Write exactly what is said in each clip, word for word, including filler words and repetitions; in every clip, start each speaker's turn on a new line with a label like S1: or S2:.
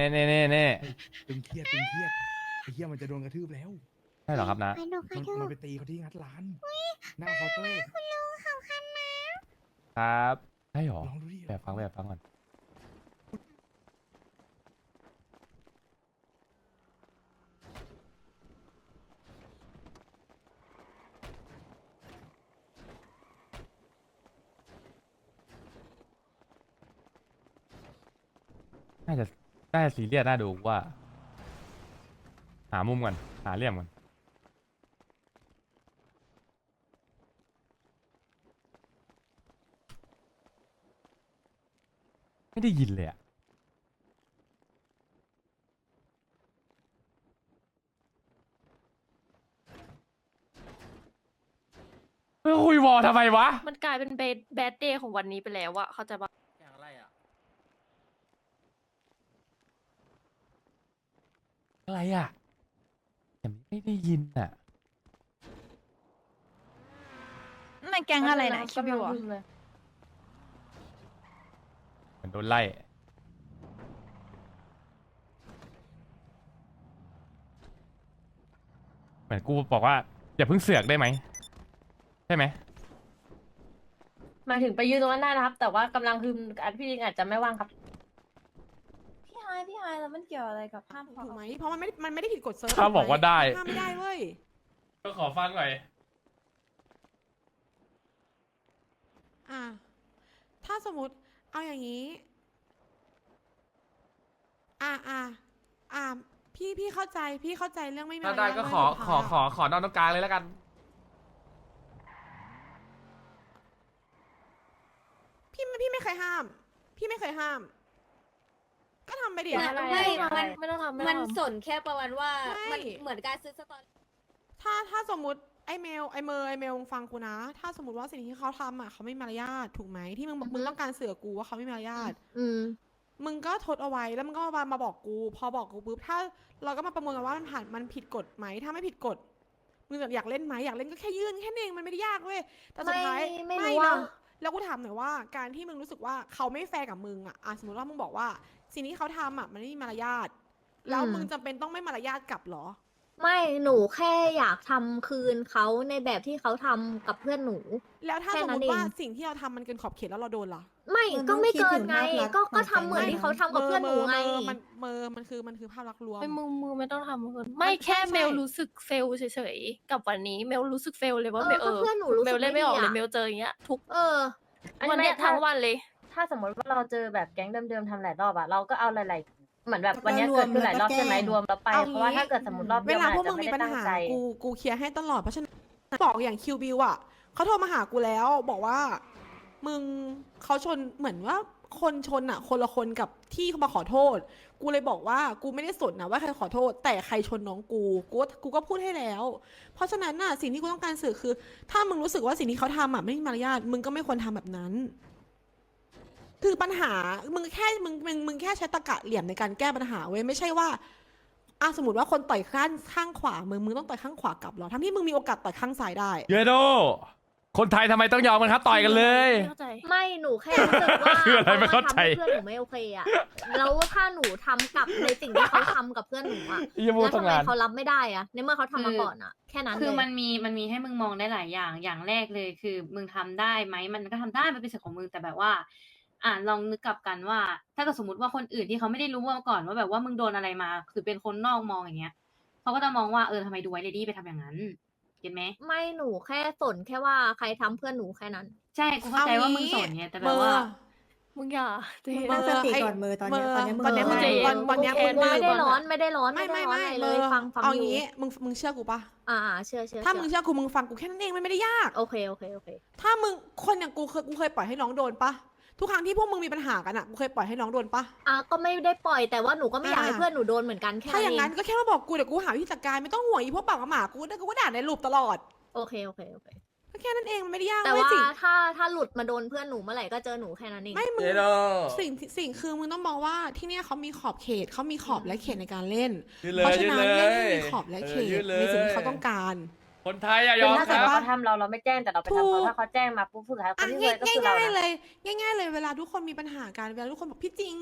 S1: เน่เน่เน่
S2: ตึงเครียดตึงเครียดไอ้เหี้ยมันจะโดนกระทืบแล้ว
S1: ใช่เหรอครับนะ
S3: ไปดูไป
S2: มัน
S3: ดู
S2: มันไปตีเขาที่งัดร้านหน้าเคาน์เตอร์
S3: คุณลุงเขาคันนะครับ
S1: ใช่เหรอ
S2: ลองดูดิ
S1: แบบฟังแบบฟังก่อนน่าจะน่าจะซีเรียสน่าดูว่า หามุมก่อนหาเหลี่ยมก่อนไม่ได้ยินเลยอะเฮ้ยคุยวอลทำไมวะ
S4: มันกลายเป็นเบดแบดเดย์ของวันนี้ไปแล้วอะเข้าใจปะ
S1: อะไรอะอะไรอะแต่ไม่ได้ยินอะ
S5: นั่นแก๊งอะไรนะคิวบิวอะ
S4: เลย
S1: เหมือนโดนไล่เหมือนกูบอกว่าอย่าเพิ่งเสือกได้ไหมใช่ไหม
S6: หมายถึงไปยืนตรงนั้นได้นะครับ แต่ว่ากำลังคืออันพี่ลิงอาจจะไม่ว่างครับ
S5: พี่ไฮพี่ไฮแล้วมันเกี่ยวอะไรกับภาพ
S7: ถูกไหมเพราะมันไม่ได้มันไม่ได้ผิดกฎเซิร์ฟ
S1: ถ้าบอกว่าได้
S7: ห้ามไม่ได้เว้ย
S1: ก็ขอฟังหน่อย
S7: อ่ะถ้าสมมติเอาอย่างนี้ อ่ะอ่ะอ่ะพี่พี่เข้าใจพี่เข้าใจเรื่องไม่มี
S1: ถ้าได้ก็ขอขอขอขอนอนตรงกลางเลยแล้วกัน
S7: พี่พี่ไม่เคยห้าม พี่ไม่เคยห้าม ก็ทำไปดิ
S6: อะไร
S3: ไม่
S6: อะไร
S3: มัน
S4: ไม่ต้องทำไม่
S3: มั
S4: ต้
S3: น
S4: องทำ
S3: สนแค่ประมาณว่า
S7: ไม่
S3: มันเหมือนการซื้อสตอรี่
S7: ถ้าถ้าสมมติไอเมลไอเมย์ไอเมลฟังกูนะ ถ้าสมมติว่าสิ่งที่เขาทำอ่ะเขาไม่มีมารยาทถูกไหมที่มึงบอกมึงต้องการเสือกกูว่าเขาไม่มีมารยาท
S3: อืม
S7: มึงก็ทดเอาไว้แล้วมึงก็มามาบอกกู พอบอกกูปุ๊บถ้าเราก็มาประเมินกันว่ามันผ่านมันผิดกฎไหมถ้าไม่ผิดกฎมึงอยากเล่นไหมอยากเล่นก็แค่ยื่นแค่นี้เองมันไม่ได้ยากเว้ยแต่สุดท้าย
S3: ไม่ไม่รู้ว่า
S7: นะแล้วกูถามหน่อยว่าการที่มึงรู้สึกว่าเขาไม่แฟร์กับมึงอ่ะอ่ะสมมติว่ามึงบอกว่าสิ่งที่เขาทำอ่ะมันไม่มีมารยาทแล้วมึงจำเป็นต้องไม่มารยาทกลับเหรอ
S3: ไม่หนูแค่อยากทำคืนเขาในแบบที่เขาทำกับเพื่อนหนู
S7: แล้วถ้า
S3: แค่
S7: สม
S3: นั้
S7: ม
S3: น
S7: ติว่า
S3: เอง
S7: สิ่งที่เราทำมันเกินขอบเขตแล้วเราโดนล่ะ
S3: ไม่
S5: มัน
S3: ก็ไม่
S5: ต้องคิด
S3: เกิน
S5: ถึง
S3: ไง
S5: ภาพลักษณ์
S3: ก็
S5: ของ
S3: ก็
S5: แก๊
S3: ทำ
S5: ง
S3: เหมือน
S5: นะ
S3: ที่เขาทำกับเพื่อนหนูไง
S7: เมอมันเมอมันคือมันคือภาพลักษณ์รวม
S4: ไม่มือมือไม่ต้องทำเกินไม่
S7: มัน
S4: แค่
S7: ใช่
S4: เมล
S7: ใช่
S4: รู้สึกเฟลเฉยๆกับวันนี้เมลรู้สึกเฟลเลยว่า
S3: เออ
S4: เมลเอ
S3: ก็
S4: อ
S3: เพื่อนหนูรู้สึก
S4: เมลเล่นไม่ออกเลย
S3: ไม่ดีอะ
S4: เมลเจออย่างเงี้ยทุก
S3: เออ
S6: อัน
S4: วัน
S6: นี้
S4: เนี้ย
S6: ถ้า
S4: ทั้งวันเลย
S6: ถ้าสมมติว่าเราเจอแบบแก๊งเดิมๆทำหลายรอบอะเราก็เอาหลายๆเหมือนแบบ
S5: แล้วก็
S6: วันเนี้ย
S5: รว
S6: เกิ
S5: ม
S6: ดขึ้นหลายรอบ
S5: แล้วก็
S6: ใช่ไหม
S5: แก้
S6: รวมแล้วไป
S7: เอา
S6: เพราะว่า
S7: งี้
S6: ถ้าเกิดสมมติรอบ
S7: เว
S6: เดียว
S7: ลา
S6: มัน
S7: พว
S6: อาก จ
S7: มึ
S6: จะ
S7: ง
S6: ไม่
S7: มี
S6: ได้
S7: ปัญ
S6: ตั้ง
S7: หา
S6: ใจ
S7: กูกูเคลียร์ให้ตลอดเพราะฉะนั้นบอกอย่างคิวบิวอ่ะเขาโทรมาหากูแล้ว บอกว่า มึงเขาชนเหมือนว่าคนชนอ่ะ คนละคนกับที่เขามาขอโทษ กูเลยบอกว่ากูไม่ได้สนนะว่าใครขอโทษ แต่ใครชนน้องกูกูก็กูก็พูดให้แล้ว เพราะฉะนั้นน่ะสิ่งที่กูต้องการสื่อคือ ถ้ามึงรู้สึกว่าสิ่งที่เขาทำอ่ะไม่มีมารยาทมึงก็ไม่ควรทำแบบนั้น คือปัญหา มึงแค่มึงมึงมึงแค่ใช้ตะกะเหลี่ยมในการแก้ปัญหาเว้ยไม่ใช่ว่าอ่ะสมมติว่าคนต่อยข้างข้างขวามึงมึงต้องต่อยข้างขวากลับเหรอทั้งที่มึงมีโอกาสต่อยข้างซ้ายได้
S1: เยโดคนไทยทำไมต้องยอมกันครับ ต่อยกันเลย
S4: ไม่เข้าใจ
S3: ไม่หนูแค่รู้สึกว่า
S1: คืออะไรไม่เข้าใจ
S3: ทำให้เพื่อนหนูไม่โอเคอะแล้วถ้าหนูทำกลับในสิ่งที่เขาทำกับเพื่อนหนูอะ
S1: อย่าพูด
S3: แล้ว
S1: ตั้
S3: ทำ
S1: ง
S3: ไม
S1: นาน
S3: เขารับไม่ได้อะในเมื่อเขาทำมาก่อนอะแค่นั้น
S8: คือ
S3: เลย
S8: มันมีมันมีให้มึงมองได้หลายอย่างอย่างแรกเลยคือมึงทำได้ไหมมันก็ทำได้มันเป็นสิทธิ์ของมึงแต่แบบว่า อ่าลองนึกกลับกันว่า ถ้าเกิดสมมติว่าคนอื่นที่เขาไม่ได้รู้มาก่อนว่าแบบว่ามึงโดนอะไรมา คือเป็นคนนอกมองอย่างเงี้ยเขาก็จะมองว่าเออทำไมดูไวเลดี้ไปทำอย่างนั้นเก็ตไหม
S3: ไม่หนูแค่สนแค่ว่าใครทำเพื่อนหนูแค่นั้น
S8: ใช่กูเข้าใจว่ามึงสอนเนี่ยแต่แบบว่า
S4: มึงอย่าเจ๊
S5: ตั้งสติ
S7: ไอ้
S5: ก่อนมือตอนเนี้ยตอนเนี้ยมือ
S7: ตอนเนี้ยมึง
S4: ใจเย็น
S7: ตอนตอนเนี้ย
S4: โอเค
S7: มึง
S3: ไม่ได้ร้อนไม่ได้ร้อน
S7: ไม่
S3: ไม่
S7: ไม่
S3: ได้ร้อน
S7: ไม่
S3: อะไร
S7: เม
S3: เล
S7: อย
S3: ฟังฟัง
S7: เอา
S3: อยู่
S7: งี้มึงมึงเชื่อกูปะ
S3: อ่าๆเชื่อเชื่อ
S7: ถ้ามึง
S3: เชื่อ
S7: เชื่อกูมึงฟังกูแค่นั้นเองมันไม่ได้ยาก
S3: โอเคโอเคโอเค
S7: ถ้ามึงคนอย่างกูเคยกูเคยปล่อยให้น้องโดนปะทุกครั้งที่พวกมึงมีปัญหากันอะกูเคยปล่อยให้น้องโดนปะ
S3: อ่ะก็ไม่ได้ปล่อยแต่ว่าหนูก็ไม่อยากให้
S7: อ่า
S3: เพื่อนหนูโดนเหมือนกันแค่
S7: ถ้า
S3: นั้น
S7: อย่าง
S3: เอ
S7: นั้น
S3: ง
S7: ก็แค่มาบอกกูเดี๋ยวกูหาวิธีจัดการไม่ต้องห่วงอีพวกปากกับหมากูได้กูก็ด่าในรูปตลอด
S3: โอเคโอเคโอเค
S7: ก็แค่นั้นเองมันไม่ได้ยาก
S3: แต่
S7: เว้ย
S3: ว่า
S7: สิ่ง
S3: ถ้าถ้าหลุดมาโดนเพื่อนหนูเมื่อไหร่ก็เจอหนูแค่นั้นเอง
S7: ไม่มึง
S1: เยโด
S7: สิ่งที่สิ่งคือมึงต้องมองว่าที่เนี่ยเขามีขอบเขตเขามีขอบและเขตในการเล่น
S1: ยืดเลย
S7: เพราะฉะนั้น
S1: ยืดเลย
S7: เล่นให้มีขอบและเข
S1: เออยื
S7: ต
S1: ดเลย
S7: ในสิ่งที่เขาต้องการ
S1: คนไทยอะย
S6: คือ
S1: อม
S6: ถ้า
S1: ค
S6: เกิด
S1: รับ
S6: เขาทำเราเราไม่แจ้งแต่เราไปทำ
S7: ถู
S6: เขา
S7: ก
S6: ถ้าเขาแจ้งมาปุ๊บสุดท้ายค
S7: อ่ะ
S6: นที่ซวยก็คือเรา
S7: ง่ายๆ
S6: นะ
S7: เลย ง่าย ๆ เลยเวลาทุกคนมีปัญหากันเวลาทุกคนบอกพี่จริง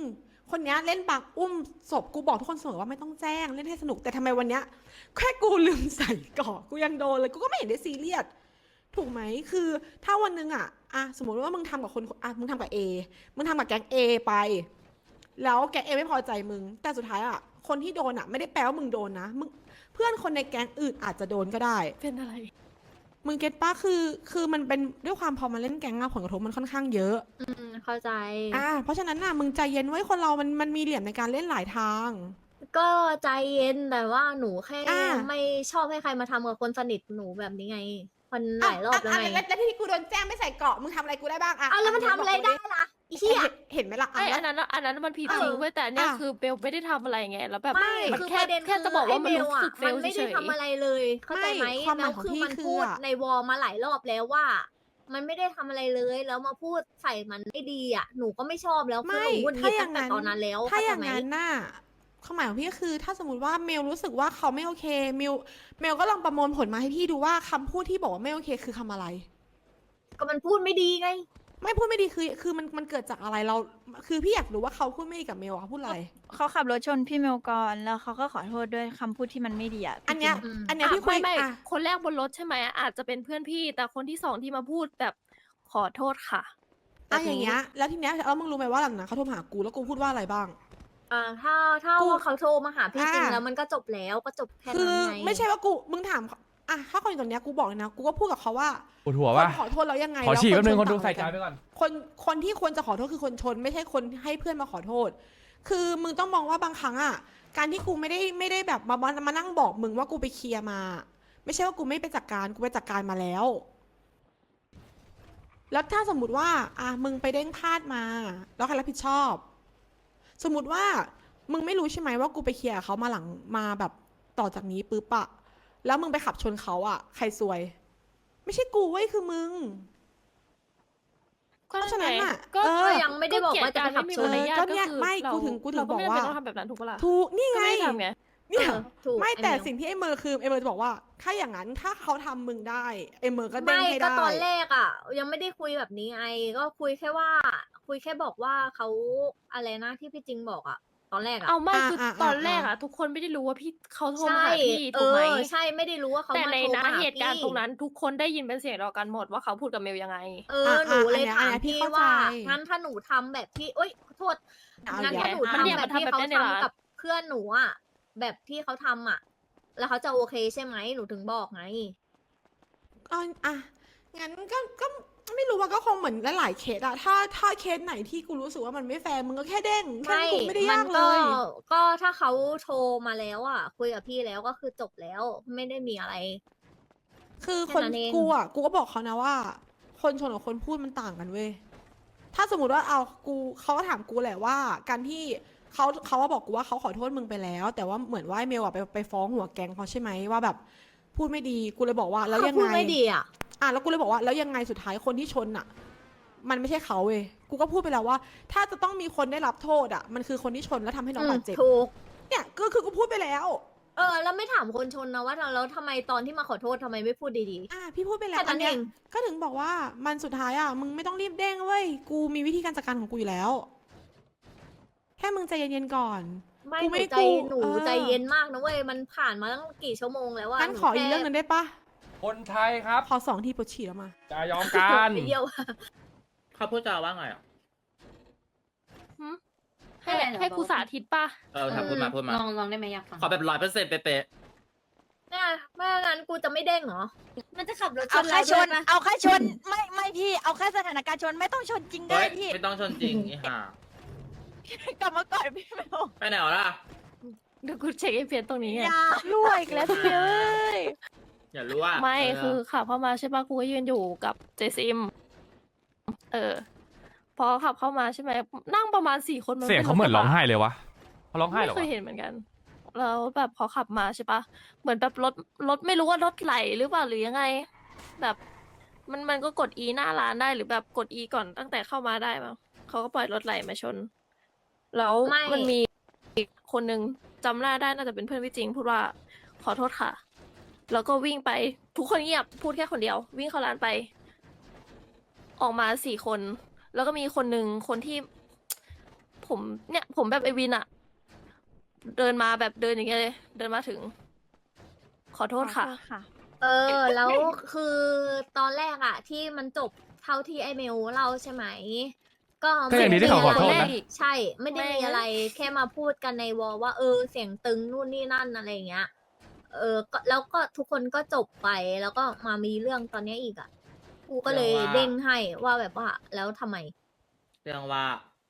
S7: คนเนี้ยเล่นปากอุ้มศพกูบอกทุกคนเสมอว่าไม่ต้องแจ้งเล่นให้สนุกแต่ทำไมวันเนี้ยแค่กูลืมใส่เกาะกูยังโดนเลยกูก็ไม่เห็นได้ซีเรียสถูกไหมคือถ้าวันหนึงอ่ะอ่ะสมมติว่ามึงทำกับคนอ่ะมึงทำกับเอมึงทำกับแก๊งเอไป แล้วแก๊งเอไม่พอใจมึงแต่สุดท้ายอ่ะคนที่โดนอ่ะไม่ได้แปลว่ามึงโดนนะมึงเพื่อนคนในแก๊งอื่นอาจจะโดนก็ได้
S4: เป็นอะไร
S7: มึงเก็ตป้าคือคือมันเป็นด้วยความพอมาเล่นแก๊งอะผลกระทบมันค่อนข้างเยอะ
S3: อืมเข้าใจ
S7: อ่าเพราะฉะนั้นน่ะมึงใจเย็นไว้คนเรามันมันมีเหลี่ยมในการเล่นหลายทาง
S3: ก็ใจเย็นแต่ว่าหนูแค่
S7: อ่า
S3: ไม่ชอบให้ใครมาทำกับคนสนิทหนูแบบนี้ไงมันหลายรอบแล้ว
S7: ะะ
S3: ไง
S7: ะแล้วที่กูโดนแจ้งไม่ใส่เกราะมึงทำอะไรกูได้บ้างอ่ะ
S3: อ้าวแล้วมันทำอะไรได้ล่ะไอ้เหี้ย
S7: เห็นเห็นไหมล่ะ
S4: ไอ้
S7: อ่ะ
S4: อันนั้นอะอันนั้นมันผิด
S3: เออ
S4: จริงเว้ยแต่อันเนี่ย
S7: อ่ะ
S4: คือเบลไม่ได้ทำอะไรไงแล้วแบบ
S3: ไม่
S4: มัน
S3: คือ
S4: แค่
S3: ประเด็น
S4: แค่
S3: คือ
S4: จะบอกว่า
S3: ไอ้
S4: มัน
S3: เบล
S4: รู้
S3: อะ
S4: สึกเฟ
S3: มัน
S4: ล
S3: ไม่
S4: เฉ
S3: ได้
S4: ย
S3: ทำอะไรเลย เข้าใจไหม
S7: ไม่ความห
S3: แล้
S7: มายว ของ
S3: คือ
S7: พี่
S3: มัน
S7: คือ
S3: พูด
S7: อะ
S3: ในวอลมาหลายรอบแล้วว่า มันไม่ได้ทำอะไรเลยแล้วมาพูดใส่มันไม่ดีอ่ะหนูก็ไม่ชอบแล้วคือ
S7: ไม่
S3: หนูหงุดหงิ
S7: ถ้า
S3: ด
S7: อ
S3: ตั้
S7: ย่าง
S3: งแต่
S7: นั้น
S3: ตอนนั้นแล้ว
S7: ถ้า
S3: เข้า
S7: อ
S3: ใจ
S7: ย่าง
S3: ไหม
S7: นั้นน่ะความหมายของพี่ก็คือ ถ้าสมมติว่าเมลรู้สึกว่าเขาไม่โอเคเมลเมลก็ลองประมวลผลมาให้พี่ดูว่าคำพูดที่บอกว่าไม่โอเคคือคำอะไร
S3: ก็มันพูดไม่ดีไง
S7: ไม่พูดไม่ดีคือคือมันมันเกิดจากอะไรเรา คือพี่อยากรู้ว่าเขาพูดไม่ดีกับเมลอะเขาพูดอะไร
S5: เขาขับรถชนพี่เมลก่อนแล้วเขาก็ขอโทษด้วยคำพูดที่มันไม่ดีอ่ะ
S7: อันเนี้ย
S3: อืม
S7: อันเนี้ย
S4: อ่ะ
S7: พี่คุ
S4: ไม่
S7: ย
S4: ไม่
S7: อ่ะ
S4: คนแรกบนรถใช่ไหมอาจจะเป็นเพื่อนพี่ แต่คนที่สองที่มาพูดแบบขอโทษค่ะ
S7: อ่ะอย่างเงี้ยแล้วทีเนี้ยแล้วมึงรู้ไหมว่าหลังนั้นเขาโทรมาหากูแล้วกูพูดว่าอะไรบ้าง
S3: อ่าถ้าถ้า
S7: กู
S3: ว่าเขาโทรมาหาพี่จริง
S7: อ่า
S3: แล้วมันก็จบแล้วก็จบแค่
S7: คื
S3: นั้น
S7: อ
S3: ไง
S7: ไม่ใช่ว่ากูมึงถามอ่ะถ้าคนอยู่ตรงเนี้ยกูบอกเลยนะกูก็พูดกับเขาว่า
S1: ปวดหัว
S7: ค
S1: ป่ะ
S7: นขอโทษแล้วยังไง
S1: ขอฉี่
S7: ล้ว
S1: แป๊บนึง
S7: ช
S1: คนดู
S7: ต่าง
S1: ใส่
S7: กั
S1: ใจไปก่อน
S7: คนคนที่ควรจะขอโทษคือคนชน ไม่ใช่คนให้เพื่อนมาขอโทษ คือมึงต้องมองว่าบางครั้งอ่ะการที่กูไม่ได้ไม่ได้แบบมามามานั่งบอกมึงว่ากูไปเคลียร์มา ไม่ใช่ว่ากูไม่ไปจัดการกูไปจัดการมาแล้ว แล้วถ้าสมมติว่าอ่ะมึงไปเด้งพลาดมา แล้วใครรับผิดชอบ สมมติว่ามึงไม่รู้ใช่ไหมว่ากูไปเคลียร์กับเขามาหลังมาแบบต่อจากนี้ปุ๊บอะแล้วมึงไปขับชนเขาอะใครซวย ไม่ใช่กูเว้ยคือมึง
S4: ก็
S7: เพราะฉะนั้นน่ะ
S4: ก็
S7: เออ
S3: ก็ยังไม่ได้บอกว่าจะไปขับชน
S4: เกลียด
S7: ก็
S4: การไม่มีมาร
S7: เนี่ย
S4: ยาท
S7: ไม่
S4: ก็
S7: กู
S4: คือ
S7: ถึงกูถึง
S4: เรา
S7: บอก
S4: ไม่จำ
S7: ว่า
S4: เป็นต้องทำแบบนั้นถูกปะล่ะ
S7: ถูกนี่
S4: ก็
S7: ไง
S4: ไม่ได้ทำไง
S7: เนี่ย
S3: เออถูก
S7: ไม่
S3: ไอ้
S7: แต่
S3: เมล
S7: สิ่งที่ไอ้เมอร์คือไอ้เมอร์จะบอกว่า ถ้าอย่างนั้นถ้าเขาทำมึงได้ไอ้เมอร์ก็เด้ง
S3: ไม่
S7: ให้
S3: ก็
S7: ได้
S3: ตอนแรกอ่ะ ยังไม่ได้คุยแบบนี้ไงก็คุยแค่ว่า คุยแค่บอกว่าเขาอะไรนะที่พี่จริงบอกอ่ะ ตอนแรกอ่ะ
S4: เอาไม่
S7: อ่า
S4: คือ
S7: อ่า
S4: ตอนแรก
S7: อ่า
S4: อะทุกคนไม่ได้รู้ว่าพี่เขาโทร
S3: ใช่
S4: มาหาพี่
S3: เอ
S4: ถูกไหม
S3: อใช่ไม่ได้รู้ว่าเขา
S4: แต่
S3: มา
S4: ใน
S3: โทร
S4: นะ
S3: มาหา
S4: เหตุการณ์
S3: พี่
S4: ตรงนั้น ทุกคนได้ยินเป็นเสียงเดียวกันหมดว่าเขาพูดกับเมลยังไง
S3: เออหนูเลย
S7: อ่ะ
S3: ถาม
S7: อันเนี้ยพี่
S3: พี่
S7: เข้าใจ
S3: ว่างั้นถ้าหนูทำแบบที่เอ้ยขอโทษ
S7: เอา
S3: งั้น
S7: อีก
S3: ถ้า
S7: แล้ว
S3: หนู
S4: มันเนี่ย
S3: ทำแบบที่
S4: มันทำแบบ
S3: เขา
S4: นั้นในร้าน
S3: ทำกับเพื่อนหนูอ่ะแบบที่เขาทำอ่ะ แล้วเขาจะโอเคใช่ไหมหนูถึงบอกไง
S7: อ่ะอ่ะงั้นก็ก็ไม่รู้ว่าก็คงเหมือนหลายๆเคสอะถ้าถ้าเคสไหนที่กูรู้สึกว่ามันไม่แฟร์มึงก็แค่เด้งแค่
S3: ไม่
S7: นั้นกูไม่ได้
S3: มั
S7: ยากเล
S3: ก็
S7: ย
S3: ก็ถ้าเขาโทรมาแล้วอ่ะ คุยกับพี่แล้วก็คือจบแล้ว ไม่ได้มีอะไร
S7: คือ
S3: แค่
S7: คน
S3: นั้นเอง
S7: กูอ่ะกูก็บอกเขานะว่า คนชนกับคนพูดมันต่างกันเว้ยถ้าสมมติว่าเอากูเขาก็ถามกูแหละว่า การที่เขาเขาว่าบอกกูว่าเขาขอโทษมึงไปแล้ว แต่ว่าเหมือนว่าไอ้เมลอ่ะไปไปฟ้องหัวแก๊งเขาใช่ไหมว่าแบบพูดไม่ดีกูเลยบอกว่าแล้ว
S3: เขา
S7: ยัง
S3: พูด
S7: ไง
S3: ไม่ดีอ่ะ
S7: อ่ะแล้วกูเลยบอกว่าแล้วยังไงสุดท้ายคนที่ชนอ่ะ มันไม่ใช่เขาเว้ยกูก็พูดไปแล้วว่า ถ้าจะต้องมีคนได้รับโทษอ่ะ มันคือคนที่ชนแล้วทำให้น้องบาดเจ็บ
S3: ถูก
S7: เนี่ยก็คือกูพูดไปแล้ว
S3: เออ แล้วไม่ถามคนชนนะว่าแล้วทำไมตอนที่มาขอโทษทำไมไม่พูดดี
S7: อ่ะพี่พูดไป
S3: ๆ
S7: แล้ว
S3: แค่
S7: อั
S3: นั้น น
S7: เนี้
S3: เอย ง
S7: ก็ถึงบอกว่ามันสุดท้ายอ่ะมึงไม่ต้องรีบเด้งเว้ยกูมีวิธีการจัดการของกูอยู่แล้ว แค่มึงใจเย็นๆก่อน
S3: ไม่
S7: กู
S3: ห
S7: ไม่
S3: นูใจ
S7: กู
S3: หนู
S7: เออ
S3: ใจเย็นมากนะเว้ยมันผ่านมาตั้งกี่ชั่วโมงแล้วว่า
S7: งั้นขออีกเรื่องหนึงได้ปะ
S1: คนไทยครับ
S7: ขอสองทีปวดฉี่แล้วมา
S1: จะยอมกัน
S3: ไปเดียว
S9: เขาพูดจาว่าไงอ่ะ
S4: ให้ให้กูสาธิตป่ะ
S9: เออทำพูดมาพูดมา
S8: ลองลองได้ไหมอยากฟัง
S9: ขอแบบร้อยเปอร์เซ็นต์เป๊ะ
S3: เนี่ยไม่งั้นกูจะไม่เด้งเหรอ
S5: มันจะขับรถช
S10: เอา
S5: น
S10: แค่
S5: เรา
S10: ช
S5: ด้วย
S10: น
S5: นะ
S10: เอาแค่ชน ไม่ไม่พี่ เอาแค่สถานการณ์ชนไม่ต้องชนจริง
S9: ๆ
S10: ด้
S9: เฮ้
S10: วย ยพี่
S9: ไม่ต้องชนจริงไอ้ห่าก
S10: ลับมาก่อนพี่เมล
S9: ไปไหนวะล่ะ
S4: เดี๋ยวกูเช็คเอพีเอสตรงนี้ไง
S10: อย่ารั่วอีกแล้วพี่เมลเอ้ย
S9: อย่ารู้ว่า
S4: ไม่
S9: เ
S4: คือขับเข้ามาใช่ปะกูก็ยืนอยู่กับเจซิม เออ พอขับเข้ามาใช่ไหมนั่งประมาณสี่คนน
S1: เสียงเขาเหมือนร้องไห้เลยวะเขาร้องไห้เหรอ
S4: ไม่เค
S1: วะ
S4: ยเห็นเหมือนกัน แล้วแบบพอขับมาใช่ปะเหมือนแบบรถรถไม่รู้ว่ารถไหลหรือเปล่าหรือยังไง แบบมันมันก็กด E หน้าร้านได้หรือแบบกด E ก่อนตั้งแต่เข้ามาได้มั้งเขาก็ปล่อยรถไหลมาชน แล้ว
S3: ไม่
S4: มันมีอีกคนนึงจำหน้าได้น่าจะเป็นเพื่อนพี่จริง พูดว่าขอโทษค่ะ แล้วก็วิ่งไปทุกคนเงียบพูดแค่คนเดียว วิ่งเข้าร้านไป ออกมาสี่คน แล้วก็มีคนหนึ่งคนที่ผมเนี่ยผมแบบไอวินอะเดินมาแบบเดินอย่างเงี้ยเลย เดินมาถึง ขอโทษค่ะ
S5: ค่ะ
S3: เออ แล้วคือตอนแรกอะที่มันจบเท่าที่ไอเมลเล่าใช่ไหม ก็
S1: ก็ยังดีที่เขาขอโทษนะ
S3: ใช่ ไม่ได้มีอะไรแค่มาพูดกันในวอลว่าเออเสียงตึงนู่นนี่นั่นอะไรอย่างเงี้ย เออก็แล้วก็ทุกคนก็จบไปแล้วก็มามีเรื่องตอนเนี้ยอีกอะกูก็เลยเด้งให้ว่าแบบว่าแล้วทำไม
S9: เรื่องว่า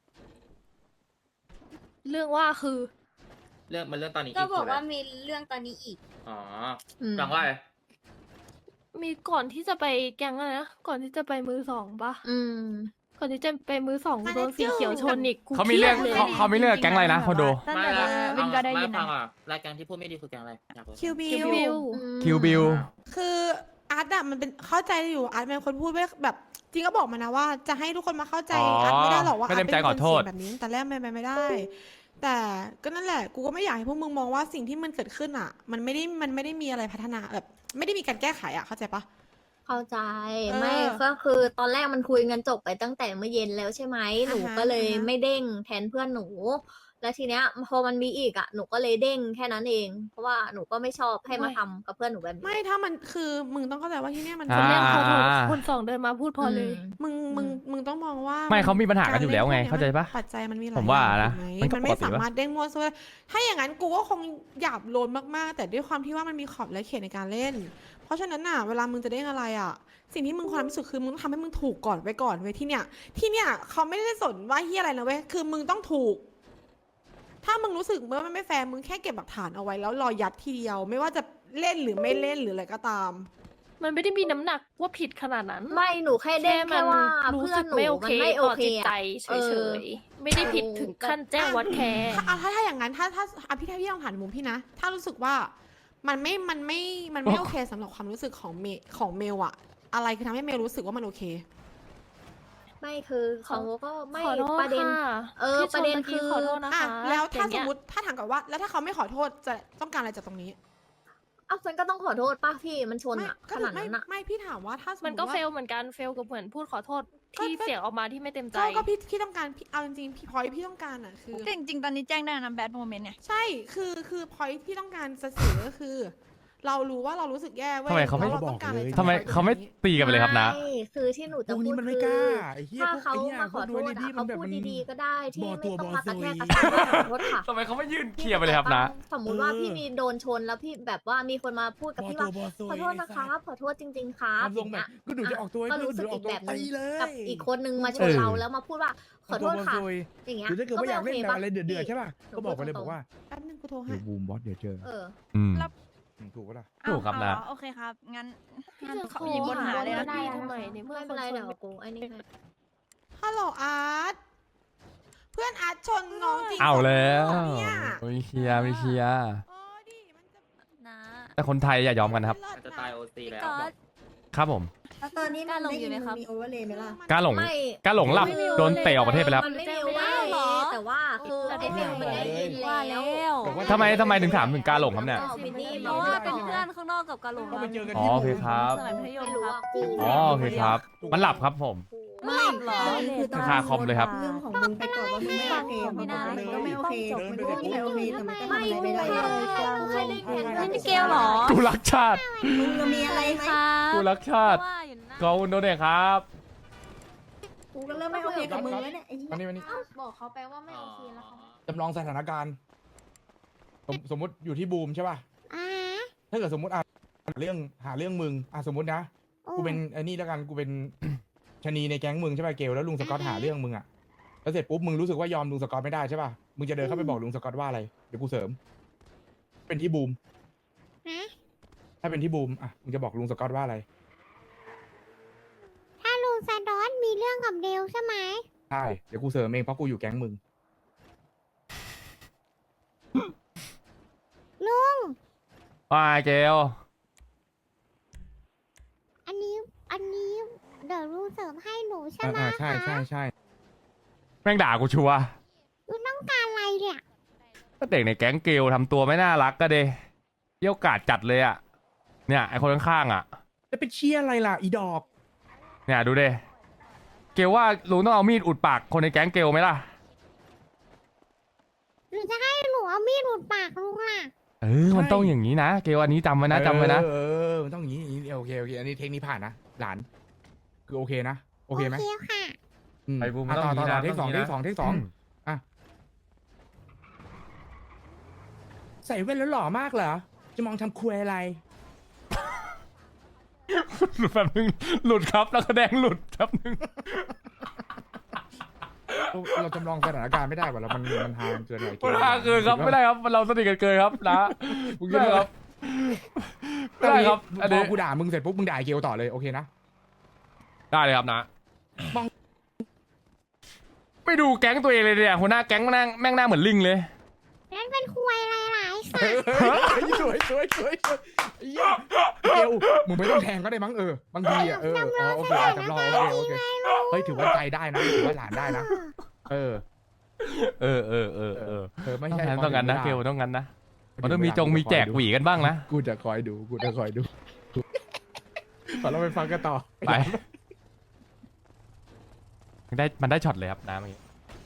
S4: เรื่องว่าคือ
S9: เรื่องมันเรื่องตอนนี้
S10: ก็
S9: คื
S10: บอก
S9: ะไร
S10: ว่ามีเรื่องตอนนี้อีก
S9: อ๋อ
S3: อืม
S9: ฟังว่าอะไร
S4: มีก่อนที่จะไปแกงอะไรนะ ก่อนที่จะไปมือสองปะ
S3: อืม
S4: ก่อนที่จะไปมือสอง
S5: มา
S4: โดน
S5: แล้ว
S4: สีเขียวชนอีกกู
S1: เขามีเรื่อง
S4: คยดลย
S1: เขาเขามีเรื่องกับแก๊งอะไรนะคอนโด
S5: ตั้ง
S9: ไม่
S5: แต่
S9: ละ
S5: เวินก็ได้ยิน
S9: ไม่ฟั
S5: นะ
S9: งอ่ะรายการที่พูดไม่ดีคือแกงอะไรอยากรู้
S7: คิวบิ
S4: คิว
S7: ว
S4: บิว
S1: คิวบิล
S7: คืออาร์ตอะมันเป็นเข้าใจอยู่อาร์ตเป็นคนพูดไว้แบบจริงก็บอกมานะว่าจะให้ทุกคนมาเข้าใจ
S1: อ๋ออา
S7: อาร์ตไม่ได้หรอกว่า
S1: ไม่
S7: อา
S1: เต็
S7: ร์ต
S1: มใจ
S7: เป็น
S1: ข
S7: ค
S1: อน โท
S7: เสี
S1: ษ
S7: ยแบบนี้แต่แรกไม่ไม่ไม่ได้ แต่ก็นั่นแหละกูก็ไม่อยากให้พวกมึงมองว่าสิ่งที่มันเกิดขึ้นอ่ะ มันไม่ได้มันไม่ได้มีอะไรพัฒนาแบบ ไม่ได้มีการแก้ไขอ่ะเข้าใจปะ
S3: เข้าใจ
S7: เออ
S3: ไม่ก็คือตอนแรกมันคุยกันจบไปตั้งแต่เมื่อเย็นแล้วใช่ไหมหนู
S7: อ่าฮะ
S3: ก็เลย
S7: อ่าฮะ
S3: ไม่เด้งแทนเพื่อนหนู แล้วทีเนี้ยพอมันมีอีกอ่ะหนูก็เลยเด้งแค่นั้นเอง เพราะว่าหนูก็ไม่ชอบให้มาทำกับเพื่อนหนูแบบนี้
S7: ไม่ถ้ามันคือมึงต้องเข้าใจว่าที่เนี่ยมัน
S1: อ่า
S4: คนแรกขอโทษ
S1: อ่า
S4: คนสองเดินมาพูดพอเลย
S7: มึงมึงมึงต้องมองว่า
S1: ไม่เขามีปัญหากันอยู่แล้วไง
S7: กร
S1: เข้าใจปะ
S7: นปัจจัยมันมีหลาย
S1: ผมว่า
S7: อย่ง
S1: นะ
S7: ถูกไห
S1: มันก็
S7: มันไม่
S1: ปกติปะ
S7: สามารถเด้งมั่วซั่วถ้าอย่างนั้นกูก็คงหยาบโลนมากๆ แต่ด้วยความที่ว่ามันมีขอบและเขตในการเล่น เพราะฉะนั้นน่ะเวลามึงจะเด้งอะไรอ่ะ สิ่งที่มึงควรทำที่สุดคือมึงต้องทำให้มึงถูกก่อนไว้ก่อนเว้ยที่เนี่ยที่เนี่ยเขาไม่ได้สนว่าเฮียอะไรนะเว้ยคือมึงต้องถูก ถ้ามึงรู้สึกว่ามันไม่แฟร์มึงแค่เก็บหลักฐานเอาไว้แล้วรอยัดทีเดียว ไม่ว่าจะเล่นหรือไม่เล่นหรืออะไรก็ตาม
S4: มันไม่ได้มีน้ำหนักว่าผิดขนาดนั้น
S3: ไม่หนูแค่เด้ง
S4: มั
S3: แค่ว่า
S4: รู้
S3: เพื่อ
S4: สึ
S3: น
S4: ก
S3: หนู
S4: ไม่โอ
S3: มั
S4: เคน
S3: ไม่โอ
S4: ต่อ
S3: เค
S4: จิตใจ
S3: อะ
S4: เฉ
S3: เออ
S4: ยๆ ไม่ได้ผิดถึงขั้นแจ้งวัดแคร์
S7: ถ้าเอาถ้าถ้าอย่างนั้นถ้าถ้าอ่ะพี่ถ้าพี่ลองถามมุมพี่นะ ถ้ารู้สึกว่ามันไม่มันไม่มันไม่โอเคสำหรับความรู้สึกของเมของเมลอะอะไรคือทำให้เมลรู้สึกว่ามันโอเค
S3: ไม่คือเขาก็ไม่
S4: ขอโทษ
S3: ประเด็น
S4: ค่ะ
S3: เออ
S4: ที่ช
S3: ประเด็น
S4: มื่กี้
S3: คือ
S4: ขอโทษนะ
S7: อ่ะ
S4: คะ
S7: แล้วถ้า
S4: อย่ง
S7: ส
S4: เงี้
S7: ม
S4: ย
S7: มติถ้าถามกับว่า แล้วถ้าเขาไม่ขอโทษจะต้องการอะไรจากตรงนี้
S3: เอ้าฉันก็ต้องขอโทษป้าพี่มันชน
S7: ไม่
S3: อะ
S7: ก็
S3: ข
S7: ถู
S3: นาก ด
S7: ไม่
S3: นั้นอะ
S7: ไม่พี่ถามว่าถ้าสมม
S4: มัน
S7: ติ
S4: ก็
S7: ว่า
S4: เฟลเหมือนกันเฟลกับเหมือนพูดขอโทษที่
S7: ก็
S4: เสียงออกมาที่ไม่เต็มใจ
S7: ก็ก็พี่พี่ต้องการพี่เอาจริงๆพี่พอยพี่ต้องการอะคือ
S5: จริงๆ ตอนนี้แจ้งได้นะแบดโมเมนต์เนี่ย
S7: ใช่คือคือพอยที่ต้องการจะสื่อก็คือ เรารู้ว่าเรารู้สึกแย่เว้ย
S1: ทำไมเขาไม่
S7: แล้วรต้องการอะไรจาก
S1: ทำไมเขาไม่ตีกันไปเลยครับนะ
S3: ไม่คือที่หนู
S2: พ
S3: จะ
S2: วก
S3: พู
S2: นี้
S3: ด
S2: มันไม่
S3: คื
S2: กล้า
S3: อ
S2: ไอ้เหี้ย
S3: ถ้า
S2: พวก
S3: เขา
S2: ไอ้เนี่ย
S3: มาขอโทษ
S2: พวก
S3: อะ
S2: ดีๆมั
S3: เขา
S2: นแบบ
S3: พูด
S2: มัน
S3: ดีๆก็ได้ที่
S2: บ่อ
S3: ไม่
S2: ตัว
S3: ต้อง
S2: บ่อ
S3: มากระแทก
S2: ซุ
S3: ก
S2: ย
S3: ระซากขอโทษค่ะ
S1: ทำไมเขาไม่ยื่นเคลียร์ไปเลยครับนะ
S3: สมมุติว่า
S2: เออ
S3: พี่มีโดนชนแล้วพี่แบบว่ามีคนมาพูดกับ
S2: บ่อ
S3: พี่
S2: ตั
S3: ว่าว
S2: บ่อซุย
S3: ขอโทษนะค
S2: ไอ้สั
S3: รั
S2: ต
S3: บ
S2: ว์
S3: ขอโทษจริง ๆ ครับ
S2: ทำทรงแบบ
S3: อย่างเงี้ย
S2: ก็หนูจะออกตัวให้
S3: ก็
S2: เพื่อน
S3: รู้สึก
S2: หนูอ
S3: อี
S2: อก
S3: ก
S2: ตัว
S3: แบบหนึง
S2: ตีเลย
S3: กับอีกคนนึงมาชน
S1: เออ
S3: เราแล้วมาพูดว่าขอโทษค่ะ
S2: บ่อตัวบ่อซุย
S3: อย่างเงี้ย
S2: หรือถ้าเกิดว่าอยากเล่นแบบอะไรเดือดๆ
S3: พี่
S2: ใช่ป่ะก็บอกไปเลยบอกว่า
S7: แป๊บนึงกูโทร
S2: เดี๋
S7: ให้
S2: ยวบูมบอสเดี๋ยวเจอ
S3: เออ
S1: อืม
S5: แล้ว
S2: อืมถูกปะล่ะ
S1: ถูกครับนะ
S5: เอาเหอโอเคครับ งั้น
S4: พี่
S5: งั้น
S4: จะ
S5: เขา
S4: โทร
S5: มีบนหาเลย
S4: ห
S5: นะ
S4: พี่ทำไมในเมื่อ
S3: ไม่เป็นไร
S4: คนช
S3: เดี๋ยวกูไอ้นี่ให้
S7: ฮัลโหลอาร์ตเพื่อนอาร์ตชนน้องจริง
S1: เอาแล้ว
S7: สองคนเนี่ย
S1: มีเคลียร์มีเคลียร์
S7: เออดิมันจะ
S5: นะ
S1: แต่คนไทยอย่ายอมกันนะครับ
S9: มันจะตายโอซีแล้ว
S5: ก็
S9: บอก
S1: ครับผม
S10: แล้วตอนนี้
S5: กล้าลงอยู่ไหมครับ
S10: มีโอเวอร์เลยไหมล่ะ
S1: กล้าหลง
S3: ไม่
S1: กล้าหลงหลับ
S3: ไม่มี
S1: โดนเตะออกประเทศไปแล้ว
S3: มันไม่มีว่า
S5: เหรอ
S3: แต่ว่าคือไอ้เมลมันได้ยิน
S5: ว่า
S3: แล้
S5: แล้ว ว
S2: บอกว่า
S1: ทำไมทำไมถึงถามถึงกล้าหลงครับเนี่ย
S3: ก็วินนี่
S5: เพราะว่าเป็นเพื่อนข้างนอกกับกาหลง
S2: ก็ไปเจอกัน
S1: อ๋อ
S2: ที่
S1: โอเคครับ
S5: สมัยมัธยม
S3: ไม่รู้
S5: ครั
S3: ว่า
S5: บ
S3: กู
S1: อ๋อโอเคครับ มันหลับครับผม
S5: ไม่หลับเหรอ
S10: คือตอน
S1: คาคอมเลยครับ
S10: เรื่องของมึงไปก่อนว่ามึงไม่โอเคพอมันก็ไม่โอเคมันก็ไม่โอเคแต่มันก็ทำอะไรไม่ได้
S3: กูแค่ได้แค่นั้น
S5: นี่มิเกลเหรอ
S1: กูรักชาติ
S10: มึงมีอะไรไหม
S5: ครับ
S1: กูรักชาติ
S5: ว่าอยู่นะ
S1: ขอบคุณโดเนทครับ
S10: กูก็เริ่มไม่โอเคกับมึงแล้วเนี่ยไอ้เหี้ย
S2: วันนี้วันนี้
S3: บอกเขาไปว่าไม่โอเคแล้วเขา
S2: จำลองสถานการณ์สมสมมติอยู่ที่บูมใช่ป่ะถ้าเกิดสมมติอ่ะเรื่องหาเรื่องมึงอ่ะสมมตินะกูเป็นไอ้นี่แล้วกันกูเป็น ชะนีในแก๊งมึงใช่ป่ะเกลแล้วลุงสกอตหาเรื่องมึงอ่ะแล้วเสร็จปุ๊บมึงรู้สึกว่ายอมลุงสกอตไม่ได้ใช่ป่ะมึงจะเดินเข้าไปบอกลุงสกอตว่าอะไรเดี๋ยวกูเสริม เป็นที่บูมถ้าเป็นที่บูมอ่ะมึงจะบอกลุงสกอตว่าอะไร
S11: ถ้าลุงซาดอนมีเรื่องกับเดลใช่ไหม
S2: ใช่เดี๋ยวกูเสริมเองเพราะกูอยู่แก๊งมึง
S11: ลุง
S1: ว่าไงเกล
S11: อันนี้ อันนี้ เดี๋ยวลุงเสริมให้หนูใช่ไหม
S2: อ่าใช่
S11: คะ
S2: ใช่ใช่
S1: แม่งด่ากูชัวร์
S11: ลุงต้องการอะไรเนี่ย
S1: ก็เด็กในแก๊งเกลทำตัวไม่น่ารักก็เดเยี่ยวกาดจัดเลยอ่ะ เนี่ยไอคนข้างๆอ่ะ
S2: จะไปเชียร์อะไรล่ะอีดอก
S1: เนี่ยดูเดเกลว่าลุงต้องเอามีดอุดปากคนในแก๊งเกลไหมล่ะ
S11: หรือจะให้หนูเอามีดหลุดปากลุงล่ะ
S1: เออมันต้องอย่างนี้นะเกลอันนี้จำไว้นะจำไว้นะ
S2: เออเออมันต้องอย่างนี้อย่างนี้โอเคโอเคอันนี้เทคนิคผ่านนะหลานคือโอเคนะโอเคไหม
S11: โอเคค่ะ
S2: อืม
S1: ไปบูม
S2: อ่ะ
S1: ต้อง
S2: ต่อ
S1: อย่าง
S2: ต่อ
S1: นี้
S2: ต่อ
S1: นะ
S2: เทคสอง
S1: ต้อง
S2: เท
S1: อย่างนี้นะ
S2: คสองเทคสองอ่ะใส่แว่นแล้วหล่อมากเหรอจะมองทำครัวอะไร
S1: หลุดแบบนึงหลุดครับแล้วก็แดงหลุดครับนึง
S2: เราจำลองสถานการณ์ไม่ได้ว่ะเรามันมันฮาเกินไป
S1: มันฮาเกินครับไม่ได้ครับเราสนิทกันเกินครับนะ
S2: มึง
S1: ไม่ได้ครับไม่ได้ครับอัน
S2: พ
S1: นี้
S2: อกูด่ามึงเสร็จปุ๊บมึงด่าไอ้เกลต่อเลยโอเคนะ
S1: ได้เลยครับนะ
S2: มอง
S1: ไม่ดูแก๊งตัวเองเลยเนี่ยหัวหน้าแก๊งแม่งนั่งแม่งหน้าเหมือนลิงเลย
S11: นั่นเป็นคุยอะไรหลายสัตว์
S2: เฮ้ยสวยสวยสวยสวยเหี้ยเกลมึงไม่ต้องแทงก็ได้มั้งเออบางทีอ่ะเอออ๋อโอเคอ่ะจำลองโอเคโอเคเฮ้ยถือว่าใจได้นะถือว่าหลานได้นะเออ
S1: เออเออเออเออ
S2: เออไม่
S1: ต้อง
S2: ใช่
S1: งั้นต้องงั้นนะเกลต้องงั้นนะมันต้องมี
S2: เวลา
S1: จงมีแจกหวีกันบ้างนะ
S2: กูจะคอยดูกูจะคอยดูขอเราไปฟังกันต่อ
S1: ไปมันได้มันได้ช็อตเลยครับน้ำเมื่อกี้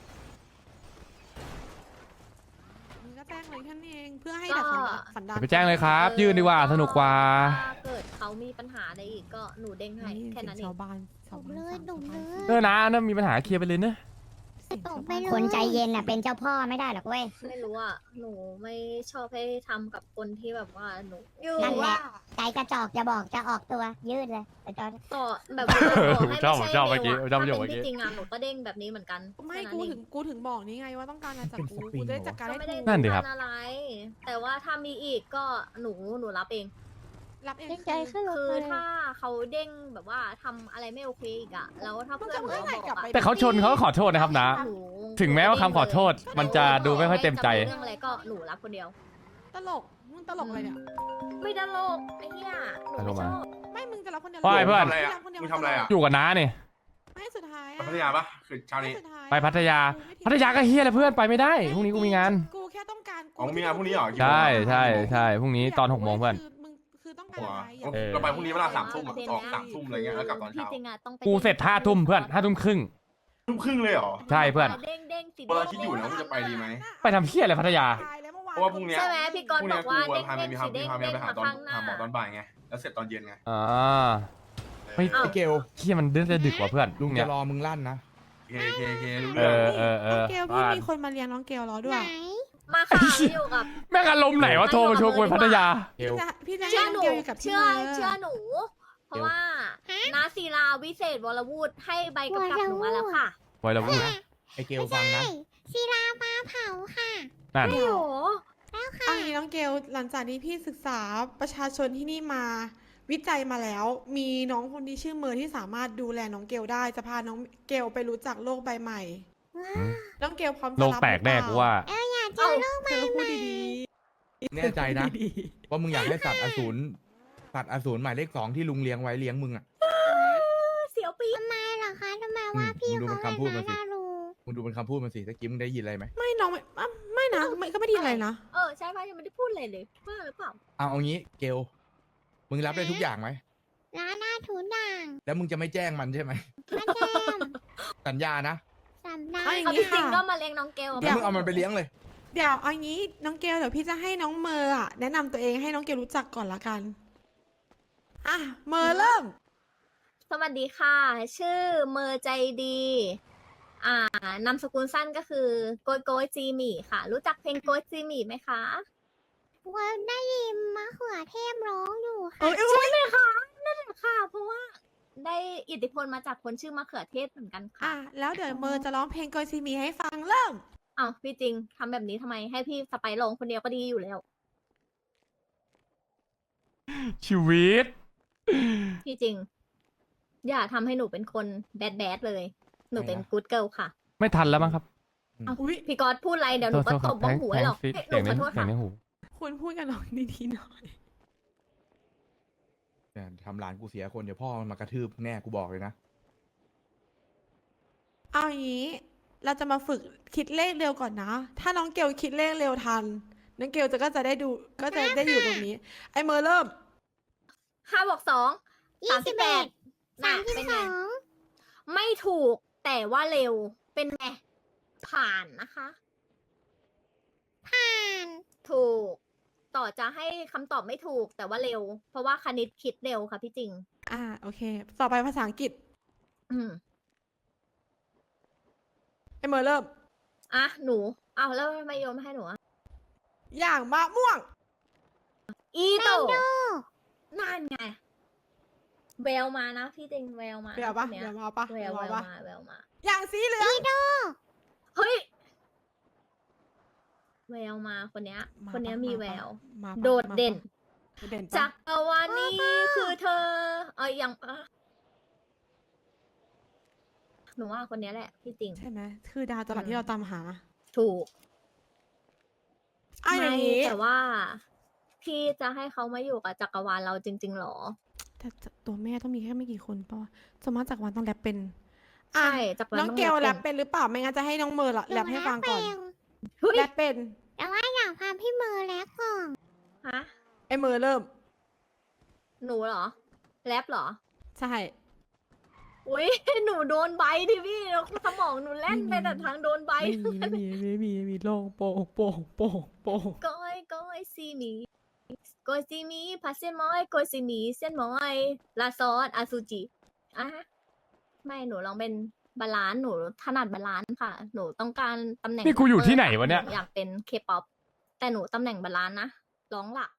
S7: มึงก็แจ้งเลยแค่นี้เองเพื่อให้
S3: ก็
S7: ดับสันดาน
S1: ไปแจ้งเลยครับ ยื่นดีกว่าสนุกกว่า
S3: ถ้าเกิดเขามีปัญหาอะไรอีกก็หนูเด้งให้แค่นั้นเอ
S7: ชาง วบ้านชาว
S11: ดุ
S7: บ้าน
S11: เลย
S7: สาม
S11: ดุ
S7: ชาว
S11: เล
S7: บ้าน
S11: ย
S1: เออนะนั่นมีปัญหาเคลียร์ไปเลยเนอะ
S11: ตกไปเลย
S10: คนใจเย็นน่ะเป็นเจ้าพ่อไม่ได้หรอกเว้ย
S3: ไม่รู้อ่ะหนูไม่ชอบให้ทำกับคนที่แบบว่าหนูอยู่
S10: นั่นแห
S3: ว่า
S10: ละใจกระจอกจะบอกจะออกตัวยืดเลยแต่จอ
S3: ต่อแบบว่าต่อให้
S1: ชอบ
S3: ไม่
S1: ชอบ
S3: ใช่
S1: เมื่อกี้
S3: เมล
S1: ชอบ
S3: อะ
S1: ประโยค
S3: ถ้า
S1: เมื่อ
S3: เป็น
S1: กี้
S3: ที่จริงอ่ะหนูก็เด้งแบบนี้เหมือนกัน
S7: ไม่
S3: แค่นั้น
S7: กู
S3: เอ
S7: ถึ
S3: ง
S7: งกูถึงบอกนี่ไงว่าต้องการอะไรจากกู
S2: เป็นสปริง
S7: กูจะได้จัดการ
S3: ก็
S7: ให้
S3: ไม่ได้
S7: ถูก
S1: นั่นดิครับ
S3: ต้องการอะไร แต่ว่าถ้ามีอีกก็หนูหนูรับเอง
S7: รับเอง
S11: เด้งใจขึ้นรถ
S3: คือ
S11: มาเลย
S3: ถ้าเขาเด้งแบบว่าทำอะไรไม่โอเคอีกอะแล้วถ้า
S7: มึง
S3: เพื่อ
S7: จะ
S3: นหนู
S7: เมื่อไหร่
S3: บอก
S7: กลับ
S3: อะ
S7: ไป
S1: แต่เขาชนเขาก็ขอโทษนะครับนะ
S3: หนู
S1: ถึงแม้ว่าคำขอโทษ มันจะดูไม่ค่อยเต็มใจ
S3: เรื่องอะไรก็หนูรับคนเดียว
S7: ตลกมึงตลกอะไรเนี่ย
S3: ไม่ตลกไอ้เหี้ยหนูไม่ชอบ
S7: ไม่มึงจะรับคนเดียว
S1: ว่าไงเพื่อน
S7: มึงรับคนเดียว
S12: มึงทำอะไรอะ
S1: อยู่กับน้าเนี่ย
S7: ไม่สุดท้าย
S12: ไป
S7: อะ
S12: พัทยาปะคือเช้านี้
S7: สุดท้ย
S1: ไปพัทยา
S7: กูไม่ทิ้ง
S1: พัทยาก็เฮียเลยเพื่อนไปไม่ได้พรุ่งนี้กูมีงาน
S7: กูแค่ต้องการ
S12: อ๋อมีงานพรุ่งนี้เหรอกี่โมง
S1: ใช่ใช่ใช่พรุ่งนี้ตอนหกโมงเพื่อน
S7: คือมึงคือต้องการ
S12: หัว
S7: อะไรอยาก
S1: เออ
S12: เราไปพรุ่งนี้เวลาสามทุ่มอะ
S3: ประเด็น
S12: ออก
S3: นะ
S12: สามทุ่มอะไรเงี้ยแล้วกลับตอน
S3: ที่
S12: เช้า
S3: จริงอะต้องไป
S1: กูเสร็จห้าทุ่มเพื่อนห้าทุ่มครึ่ง
S12: ทุ่มครึ่งเลยเหรอ
S1: ใช่เพื่อน
S3: เด้งเด้งสิ
S12: เวลาคิดอยู่นะว่าจะไปดีไหม
S1: ไปทำเฮียอะไรพัทยา
S7: ตายแล้วเมื่อวาน
S12: เพราะว่าพรุ่งเนี้ย
S3: ใช่ไหมพี่ก
S12: พ
S3: ร
S12: รุ่
S3: ณ์
S12: ง
S3: บ
S12: เนี้
S3: อย กว่า
S12: กู
S3: เด้ง
S12: พา
S3: เด้
S12: เมีย
S3: ง
S12: มีพา
S3: สี
S12: มี
S3: เด้
S12: พาง เมียไปหา
S3: เด้ง
S12: ตอน
S3: มาข้างหน้า
S12: หาหมอตอนบ่ายไงแล้วเสร็จตอนเย็นไง
S1: อ่า
S2: เฮ้ย
S1: เฮ้ย
S2: ไอ้เกล
S1: เฮียมันเดือดดึกว่ะเพื่อน
S2: ลุง
S1: เนี่
S2: จะ
S1: ย
S2: รอมึงลั่นนะ
S12: เคเคเครู้
S1: เอ
S12: เรื่อง
S1: อเออเออ
S7: น้องเกลพี่มีคนมาเลี้ยงน้องเกลรอด้ว
S11: ไหน
S7: ย
S3: มาค่ะอยู่กับ
S1: แม่งอารมณ์ไหนวะโทรมาชวนกูไปพัทยา
S2: เกล
S7: พี่จะ
S3: เชื่
S7: ให้
S3: อ
S7: น้
S3: ห
S7: อง
S3: นู
S7: เกลอยู่กับพี่
S3: เชื่อ
S7: เมย์
S3: เชื่อหนู เพราะว่านาศิลาวิเศษวรวูดให้ใบกำกับหนูมาแล้วค่ะ
S1: ไว้แล้วพูด
S2: ไอ้เกลฟังนะ
S11: ศิลาปลาเผาค่ะ
S1: นั่น
S3: โอ้โห
S7: อันนี้น้องเกลหลังจากที่พี่ศึกษาประชาชนที่นี่มาวิจัยมาแล้ว มีน้องคนที่ชื่อเมย์ที่สามารถดูแลน้องเกลได้จะพาน้องเกลไปรู้จักโลกใบใหม่ น้องเกลพร้อมจะ
S1: โล
S7: รับ
S1: กแตกแน่กูว่า
S11: เอออยากเจอโลก
S7: เธอพูดดี
S2: แน่ใจนะว่ามึงอยากให้สัตว์อสูรสัตว์อสูรหมายเลขสองที่ลุงเลี้ยงไว้เลี้ยงมึงอ่ะ
S3: เสียวปี๊ด
S11: ทำไมเหรอคะทำไมว่าพี่
S2: มึงดู
S11: เขา
S2: มันคำพูด
S11: ไม่
S2: มาสิ
S11: น่ารู้
S2: มึงดูเป็นคำพูดมันสิตะกี้มึงได้ยินอะไรไหม
S7: ๆไม่น้องไม่อ่ะไม่นะไม่ก็ไม่ไดีอะไรนะ
S3: เออใช่ป่ะยังไม่ได้พูดเลยเลยว่าหรือเปล่า
S2: เอาเอางี้เกลมึงรับได้ทุกอย่างไหม
S11: ร้านหน้าถูด่าง
S2: แล้วมึงจะไม่แจ้งมันใช่ไหม
S11: มาแจม
S2: สัญญานะ
S11: สำนัก
S7: เอาอย่าง
S3: เขา
S7: นี้
S3: จริง
S7: ค่ะ
S3: ๆก็มาเลี้ยงน้องเกล
S2: แล้วมึงเอามันไปเลี้ยงเลย
S7: เดี๋ยวเอางี้น้องเกลเดี๋ยวพี่จะให้น้องเมย์อะแนะนำตัวเองให้น้องเกลรู้จักก่อนละกันอ่ะเมย์เริ่ม
S3: สวัสดีค่ะ ชื่อเมอร์ใจดี อ่านามสกุลสั้นก็คือโกยโกยจีหมี่ค่ะ รู้จักเพลงโกยจีหมี่ไหมคะ
S11: ว่าได้ยินมะเขือเทศร้องอยู่ค่ะ
S7: เอ้ยเอ้ย
S3: ใช่ไหมคะนั่นแหละค่ะ เพราะว่าได้อิทธิพลมาจากคนชื่อมะเขือเทศเหมือนกันค่ะ
S7: อ่ะแล้วเดี๋ยวเมย์จะร้องเพลงโกยซีมีให้ฟังเริ่ม
S3: อ้าวพี่จริงทำแบบนี้ทำไมให้พี่สไปร์ลงคนเดียวก็ดีอยู่แล้ว
S1: ชีวิต
S3: พี่จริง อย่าทำให้หนูเป็นคนแบดแบดเลย หนูเป็นกู๊ดเกิลค่ะ
S1: ไม่ทันแล้วมั้งครับ
S3: เอา
S7: อุ๊ย
S3: พี่กอดพูดอะไรเดี๋ยวหนูก็
S1: โทษ
S3: ตบบ้องหูให้หรอก
S1: แทง
S3: เฮ้ยห
S1: เสี
S3: นู
S1: ยง
S3: ข
S1: ใน
S3: อโทษ
S1: เสีย
S3: ค่ะ
S1: งในหู
S7: คุณพูดกับน้องดีๆหน่อย
S2: เนี่ยทำหลานกูเสียคนเดี๋ยวพ่อมันมากระทืบแน่กูบอกเลยนะ
S7: เอาอย่างนี้ เราจะมาฝึกคิดเลขเร็วก่อนนะ ถ้าน้องเกลคิดเลขเร็วทัน น้องเกลจะก็จะได้ดู ก็จะได้อยู่ตรงนี้ ไอเมย์เริ่ม
S3: ห้าบวกสองสามสิบแปด
S11: สามสิบ
S3: เป็น
S11: ส
S3: ไง
S11: อง
S3: ไม่ถูกแต่ว่าเร็วเป็นไงผ่านนะคะจะให้คำตอบไม่ถูกแต่ว่าเร็ว เพราะว่าคณิตคิดเร็วค่ะพี่จริง
S7: อ่าโอเค ต่อไปภาษาอังกฤษ
S3: อืม
S7: ไอเมอร์เริ่ม
S3: อ่ะหนูอ้าวแล้วทำไมโยนมาให้หนูอะ
S7: อย่างมะม่วง
S3: อีโตนั่นไงแววมานะพี่จริงแววมา
S7: แววปะ
S3: คนเนี้ย
S7: แววมาปะ
S3: แวว
S7: แว
S3: แว
S7: ว
S3: ว
S7: ปะ
S3: มาแววมา
S7: อย่างสีเหลือง
S3: เฮ้ยแววมาคนเนี้ย
S7: มา
S3: คนเนี้ย
S7: ปะ
S3: มี
S7: มาปะ
S3: แวว
S7: มาปะ
S3: โดดเด่น
S7: มาปะเด่นปะ
S3: จักรวาลนี้คือเธอ เอ้ยยังอ่ะหนูว่าคนเนี้ยแหละพี่จริง
S7: ใช่ไหมคือดาวตลาด
S3: อืม
S7: ที่เราตามหา
S3: ถูก
S7: อ่ะอย่าง
S3: ไม่
S7: นี้
S3: แต่ว่า พี่จะให้เขามาอยู่กับจักรวาลเราจริง ๆหรอ
S7: แต่ตัวแม่ต้องมีแค่ไม่กี่คนป่ะวะสมมติจากรวันต้องแรปเป็น อ่ะ
S3: ใช่จักรวาล
S7: น้อง
S3: ต้อง
S7: เกล
S3: แร
S7: แร
S3: ป
S7: ป
S3: เป็น
S7: เป็นหรือเปล่าไม่งั้นจะให้น้องเมอร์ละแรปให้ฟังก่อน
S3: เฮ้ย
S7: แรปเป็น
S11: แต่ว่าอยากพาพี่มือแล้วก่อน
S3: ฮะ
S7: ไอเมอร์เริ่ม
S3: หนูเหรอ แรปเหรอ
S7: ใช่
S3: อุ้ย หนูโดนใบดิพี่แล้วสมองหนูแล่นไปแต่ทางโดนใบ
S7: ไม่มีไม่มีไม่มีไม่มีโล่งโป่งโป่งโป่งโป่ง
S3: ก้อยก้อยซีหมีก้อยซีหมีพัสเซนมอยก้อยซีหมีเส้นมอยลาซอสอาซูจิอ่ะไม่หนูลองเป็นบาลานซ์หนูถนัดบาลานซ์ค่ะ หนูต้องการตำแหน่ง
S1: นี่กูอยู่ที่ไหนวะเนี่ย
S3: อยากเป็นเคป๊อปแต่หนูตำแหน่งบาลานซ์นะร้องหลัก